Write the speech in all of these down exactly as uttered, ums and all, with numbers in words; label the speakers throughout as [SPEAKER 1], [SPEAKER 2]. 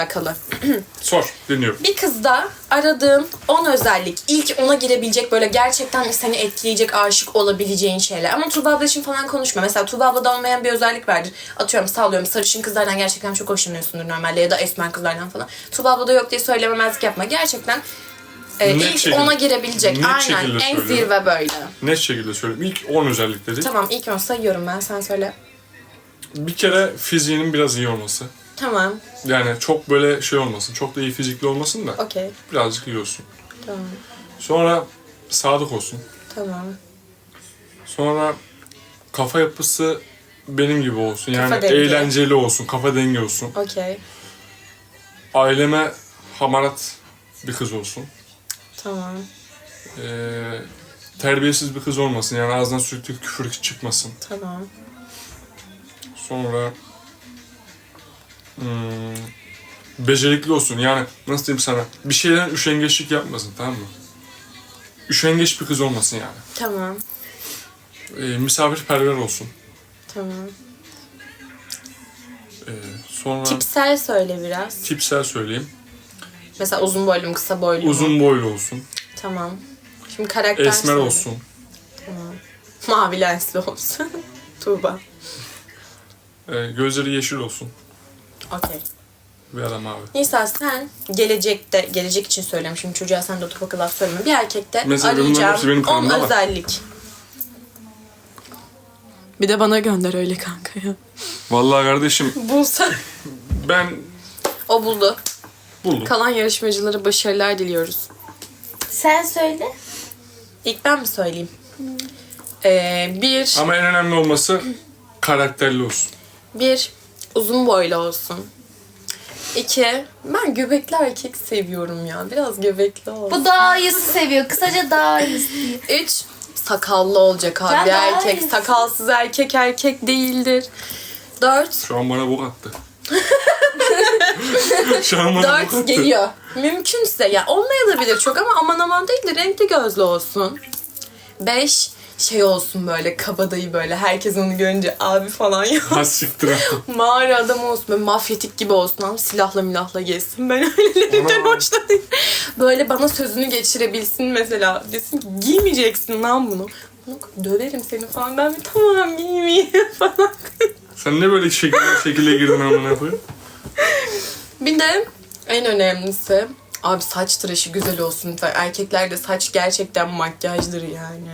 [SPEAKER 1] alakalı.
[SPEAKER 2] Sor, dinliyorum.
[SPEAKER 1] Bir kızda aradığın on özellik, ilk ona girebilecek böyle gerçekten seni etkileyecek, aşık olabileceğin şeyler. Ama Tuğba abla için falan konuşma. Mesela Tuğba ablada olmayan bir özellik vardır. Atıyorum, sallıyorum, sarışın kızlardan gerçekten çok hoşlanıyorsundur normalde ya da esmer kızlardan falan. Tuğba ablada yok diye söylememezlik yapma. Gerçekten e, ilk
[SPEAKER 2] şekilde,
[SPEAKER 1] ona girebilecek.
[SPEAKER 2] net
[SPEAKER 1] Aynen,
[SPEAKER 2] şekilde
[SPEAKER 1] en
[SPEAKER 2] söylüyorum.
[SPEAKER 1] zirve böyle.
[SPEAKER 2] Net şekilde söyleyeyim. İlk on özellikleri.
[SPEAKER 1] Tamam, ilk on sayıyorum ben, sen söyle.
[SPEAKER 2] Bir kere fiziğinin biraz iyi olması.
[SPEAKER 1] Tamam,
[SPEAKER 2] Yani çok böyle şey olmasın. Çok da iyi fizikli olmasın da.
[SPEAKER 1] okey.
[SPEAKER 2] Birazcık iyi olsun.
[SPEAKER 1] Tamam,
[SPEAKER 2] Sonra sadık olsun.
[SPEAKER 1] tamam.
[SPEAKER 2] Sonra kafa yapısı benim gibi olsun. Yani
[SPEAKER 1] Kafa dengi.
[SPEAKER 2] eğlenceli olsun. Kafa dengi olsun.
[SPEAKER 1] Okey,
[SPEAKER 2] Aileme hamarat bir kız olsun.
[SPEAKER 1] tamam.
[SPEAKER 2] Ee, terbiyesiz bir kız olmasın. Yani ağzından sürekli küfür çıkmasın.
[SPEAKER 1] Tamam.
[SPEAKER 2] Sonra hmm, becerikli olsun. Yani nasıl diyeyim sana? Bir şeyden üşengeçlik yapmasın, tamam mı? Üşengeç bir kız olmasın yani.
[SPEAKER 1] Tamam.
[SPEAKER 2] Ee, misafirperver olsun.
[SPEAKER 1] Tamam.
[SPEAKER 2] Ee, sonra
[SPEAKER 1] Tipsel söyle biraz.
[SPEAKER 2] tipsel söyleyeyim.
[SPEAKER 1] Mesela uzun boylu mu, kısa boylu mu?
[SPEAKER 2] Uzun boylu olsun.
[SPEAKER 1] Tamam. Şimdi karakter
[SPEAKER 2] Esmer
[SPEAKER 1] söyle.
[SPEAKER 2] olsun.
[SPEAKER 1] Tamam. Mavi lensli olsun. Tuğba.
[SPEAKER 2] Ee, gözleri yeşil olsun.
[SPEAKER 1] Okey.
[SPEAKER 2] Bir adam abi.
[SPEAKER 1] Nisa, sen gelecekte, gelecek için söylüyorum. Şimdi çocuğa sen de oturup akıl laf söyleme. Bir erkekte
[SPEAKER 2] Mesela bunların hepsi benim
[SPEAKER 1] arayacağım on
[SPEAKER 2] kanımda var.
[SPEAKER 1] özellik. Bir de bana gönder öyle kanka ya.
[SPEAKER 2] Vallahi kardeşim
[SPEAKER 1] Bulsa.
[SPEAKER 2] ben
[SPEAKER 1] O buldu.
[SPEAKER 2] buldum.
[SPEAKER 1] Kalan yarışmacılara başarılar diliyoruz.
[SPEAKER 3] Sen söyle.
[SPEAKER 1] İlk ben mi söyleyeyim? Ee, bir,
[SPEAKER 2] Ama en önemli olması karakterli olsun.
[SPEAKER 1] bir uzun boylu olsun. İki, ben göbekli erkek seviyorum ya. Biraz göbekli olsun.
[SPEAKER 3] Bu daha iyisi seviyor. Kısaca daha iyisi.
[SPEAKER 1] Üç, sakallı olacak abi
[SPEAKER 3] Ben daha
[SPEAKER 1] erkek.
[SPEAKER 3] iyisi.
[SPEAKER 1] Sakalsız erkek erkek değildir. Dört,
[SPEAKER 2] Şu an bana bok attı. Şu an bana bok
[SPEAKER 1] dört
[SPEAKER 2] attı.
[SPEAKER 1] geliyor. Mümkünse ya, olmayabilir çok ama aman aman değil de renkli gözlü olsun. Beş, şey olsun böyle kabadayı, böyle herkes onu görünce abi falan ya.
[SPEAKER 2] Ha siktir ha.
[SPEAKER 1] Mağara adam olsun, böyle mafyatik gibi olsun ama silahla milahla gezsin. Ben öylelerinden
[SPEAKER 2] Ana.
[SPEAKER 1] hoşlanıyorum. Böyle bana sözünü geçirebilsin mesela. Desin ki giymeyeceksin lan bunu. Döverim seni falan. Ben bir tamam giymeyeyim falan.
[SPEAKER 2] Sen ne böyle şekilde, şekilde girdin amına koyayım?
[SPEAKER 1] Bir de en önemlisi abi saç tıraşı güzel olsun lütfen. Erkeklerde saç gerçekten makyajdır yani.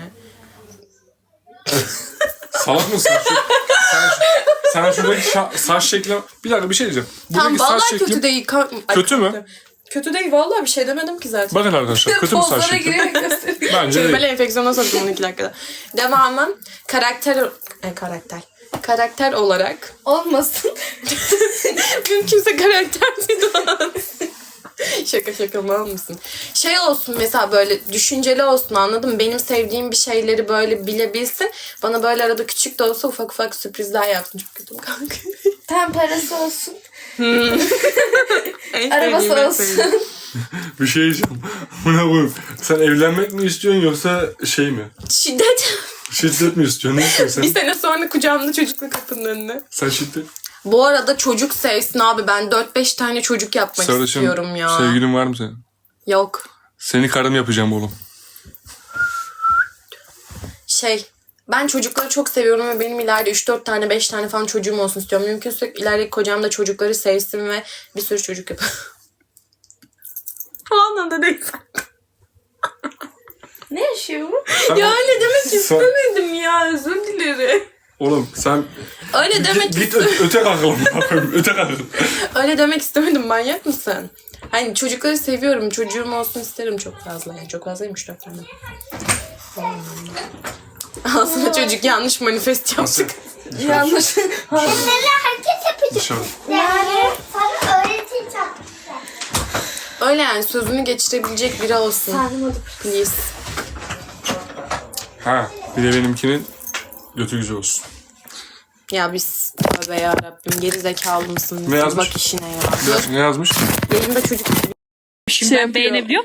[SPEAKER 2] Salak mısın? Şu, sen, sen şuradaki şa- saç şekli... Bir dakika bir şey diyeceğim.
[SPEAKER 1] Tam
[SPEAKER 2] Buradaki saç
[SPEAKER 1] vallahi
[SPEAKER 2] şekli...
[SPEAKER 1] kötü değil. Ka- Ay,
[SPEAKER 2] Kötü mü?
[SPEAKER 1] Kötü değil vallahi, bir şey demedim ki zaten.
[SPEAKER 2] Bakın arkadaşlar kötü mü saç
[SPEAKER 1] Pozlara
[SPEAKER 2] şekli?
[SPEAKER 1] girerek gösteriyor.
[SPEAKER 2] Bence
[SPEAKER 1] Böyle
[SPEAKER 2] değil.
[SPEAKER 1] enfeksiyona soktum onu iki dakikada. Devamı karakter... E, karakter. Karakter olarak
[SPEAKER 3] Olmasın.
[SPEAKER 1] mümkünse karakter bir Şaka şaka mal mısın? Şey olsun mesela, böyle düşünceli olsun, anladın mı? Benim sevdiğim bir şeyleri böyle bilebilsin. Bana böyle arada küçük de olsa ufak ufak sürprizler yapsın. Çok kötüm kanka.
[SPEAKER 3] Tam parası olsun.
[SPEAKER 1] En
[SPEAKER 3] Arabası
[SPEAKER 1] sevdiğim, en
[SPEAKER 3] olsun.
[SPEAKER 1] sevdiğim.
[SPEAKER 2] Bir şey diyeceğim. Buna koyayım. Sen evlenmek mi istiyorsun yoksa şey mi?
[SPEAKER 1] Şiddet.
[SPEAKER 2] Şiddet mi istiyorsun? Ne istiyorsun
[SPEAKER 1] Bir
[SPEAKER 2] sen?
[SPEAKER 1] sene sonra kucağımda çocukla kapının önüne.
[SPEAKER 2] Sen şiddet.
[SPEAKER 1] Bu arada çocuk sevsin abi. Ben dört beş tane çocuk yapmak
[SPEAKER 2] Sarışın
[SPEAKER 1] istiyorum ya.
[SPEAKER 2] sevgilin var mı senin?
[SPEAKER 1] Yok.
[SPEAKER 2] Seni karım yapacağım oğlum.
[SPEAKER 1] Şey, ben çocukları çok seviyorum ve benim ileride üç dört tane beş tane falan çocuğum olsun istiyorum. Mümkünse ileride kocam da çocukları sevsin ve bir sürü çocuk yapar. Falan da değil.
[SPEAKER 3] Ne yaşıyor bu?
[SPEAKER 1] Ya öyle demek
[SPEAKER 2] Sen-
[SPEAKER 1] istemedim ya, özür dilerim.
[SPEAKER 2] Oğlum sen
[SPEAKER 1] Öyle demek
[SPEAKER 2] git ö- öte kalkalım. öte kalkalım.
[SPEAKER 1] öyle demek istemedim, manyak mısın? Hani çocukları seviyorum, çocuğum olsun isterim çok fazla. Yani çok fazlaymış üç dört tane. Aslında çocuk yanlış manifest yaptık.
[SPEAKER 3] Yanlış.
[SPEAKER 4] Bunları herkes yapacak.
[SPEAKER 2] Dışarı.
[SPEAKER 4] Yani sana öğreteceğim.
[SPEAKER 1] Öyle yani, sözünü geçirebilecek biri olsun.
[SPEAKER 3] Sardım oldu.
[SPEAKER 1] Please.
[SPEAKER 2] Ha bir de benimkinin götü güzel olsun.
[SPEAKER 1] Ya biz tövbe yarabbim, geri zekalı mısın?
[SPEAKER 2] Ne yazmış?
[SPEAKER 1] Bak işine ya.
[SPEAKER 2] Ne yazmış?
[SPEAKER 1] Yayında çocuk
[SPEAKER 5] Şey beğenebiliyor